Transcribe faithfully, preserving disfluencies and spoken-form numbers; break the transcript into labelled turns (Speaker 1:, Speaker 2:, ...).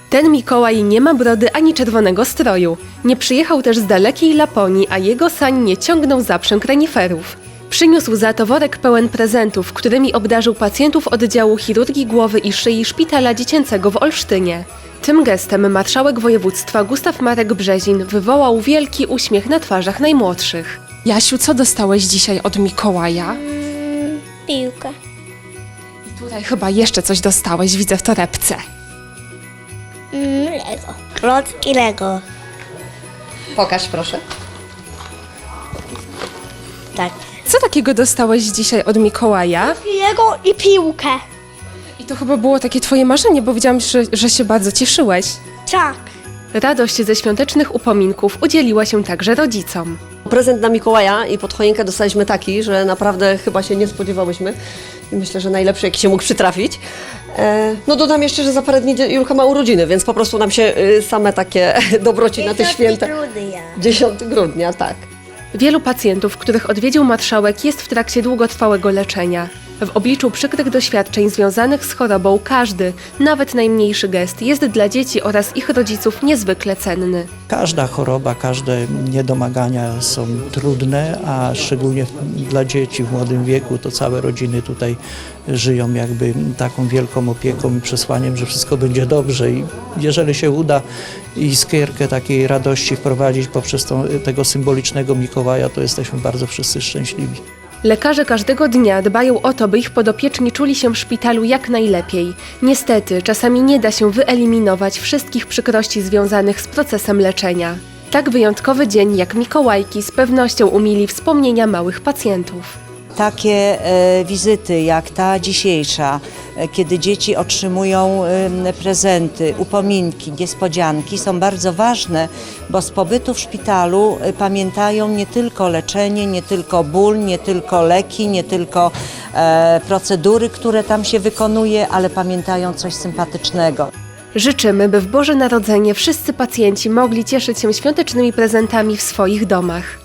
Speaker 1: Ten Mikołaj nie ma brody ani czerwonego stroju. Nie przyjechał też z dalekiej Laponii, a jego sań nie ciągnął zaprzęg reniferów. Przyniósł za to worek pełen prezentów, którymi obdarzył pacjentów oddziału chirurgii głowy i szyi Szpitala Dziecięcego w Olsztynie. Tym gestem marszałek województwa Gustaw Marek Brzezin wywołał wielki uśmiech na twarzach najmłodszych.
Speaker 2: Jasiu, co dostałeś dzisiaj od Mikołaja?
Speaker 3: Mm, piłkę.
Speaker 2: I tutaj chyba jeszcze coś dostałeś, widzę w torebce.
Speaker 3: Mm, Lego. Klocki Lego.
Speaker 4: Pokaż proszę.
Speaker 3: Tak.
Speaker 2: Co takiego dostałeś dzisiaj od Mikołaja?
Speaker 3: Lego i piłkę.
Speaker 2: I to chyba było takie twoje marzenie, bo widziałam, że, że się bardzo cieszyłeś.
Speaker 3: Tak.
Speaker 1: Radość ze świątecznych upominków udzieliła się także rodzicom.
Speaker 4: Prezent na Mikołaja i pod choinkę dostaliśmy taki, że naprawdę chyba się nie spodziewałyśmy. I myślę, że najlepszy, jaki się mógł przytrafić. E, no dodam jeszcze, że za parę dni Julka ma urodziny, więc po prostu nam się y, same takie dobroci na te święta. dziesiątego grudnia, tak.
Speaker 1: Wielu pacjentów, których odwiedził marszałek, jest w trakcie długotrwałego leczenia. W obliczu przykrych doświadczeń związanych z chorobą każdy, nawet najmniejszy gest jest dla dzieci oraz ich rodziców niezwykle cenny.
Speaker 5: Każda choroba, każde niedomagania są trudne, a szczególnie dla dzieci w młodym wieku to całe rodziny tutaj żyją jakby taką wielką opieką i przesłaniem, że wszystko będzie dobrze i jeżeli się uda iskierkę takiej radości wprowadzić poprzez tą, tego symbolicznego Mikołaja, to jesteśmy bardzo wszyscy szczęśliwi.
Speaker 1: Lekarze każdego dnia dbają o to, by ich podopieczni czuli się w szpitalu jak najlepiej. Niestety, czasami nie da się wyeliminować wszystkich przykrości związanych z procesem leczenia. Tak wyjątkowy dzień jak Mikołajki z pewnością umili wspomnienia małych pacjentów.
Speaker 6: Takie e, wizyty jak ta dzisiejsza, e, kiedy dzieci otrzymują e, prezenty, upominki, niespodzianki są bardzo ważne, bo z pobytu w szpitalu e, pamiętają nie tylko leczenie, nie tylko ból, nie tylko leki, nie tylko e, procedury, które tam się wykonuje, ale pamiętają coś sympatycznego.
Speaker 1: Życzymy, by w Boże Narodzenie wszyscy pacjenci mogli cieszyć się świątecznymi prezentami w swoich domach.